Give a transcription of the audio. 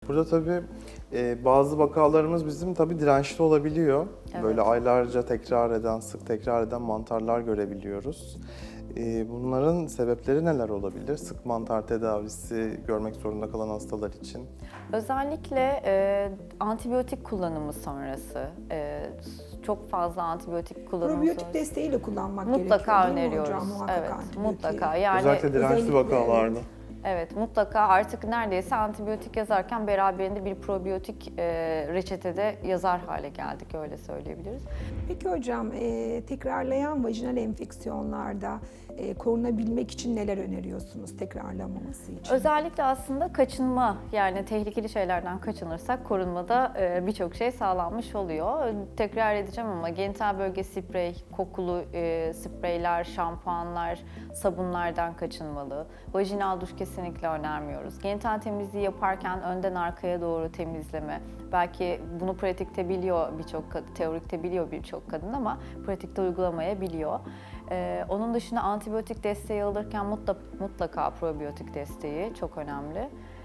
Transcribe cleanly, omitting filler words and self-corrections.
Burada tabii bazı vakalarımız bizim tabii dirençli olabiliyor. Evet. Böyle aylarca sık tekrar eden mantarlar görebiliyoruz. Bunların sebepleri neler olabilir? Sık mantar tedavisi görmek zorunda kalan hastalar için. Özellikle antibiyotik kullanımı sonrası, çok fazla antibiyotik kullanımı Probiyotik sonrası desteğiyle kullanmak mutlaka gerekiyor değil mi öneriyoruz. hocam? Muhakkak Evet, antibiyotiği. mutlaka. Yani Özellikle dirençli özellikle, vakalarda. evet, mutlaka artık neredeyse antibiyotik yazarken beraberinde bir probiyotik reçetede yazar hale geldik, öyle söyleyebiliriz. Peki hocam, tekrarlayan vajinal enfeksiyonlarda korunabilmek için neler öneriyorsunuz tekrarlamaması için? Özellikle aslında kaçınma, yani tehlikeli şeylerden kaçınırsak korunmada birçok şey sağlanmış oluyor. Tekrar edeceğim ama genital bölge sprey, kokulu spreyler, şampuanlar, sabunlardan kaçınmalı. Vajinal duş kesinlikle önermiyoruz. Genital temizliği yaparken önden arkaya doğru temizleme. Belki bunu pratikte biliyor teorikte biliyor birçok kadın ama pratikte uygulamayabiliyor. Onun dışında antibiyotik desteği alırken mutlaka probiyotik desteği çok önemli.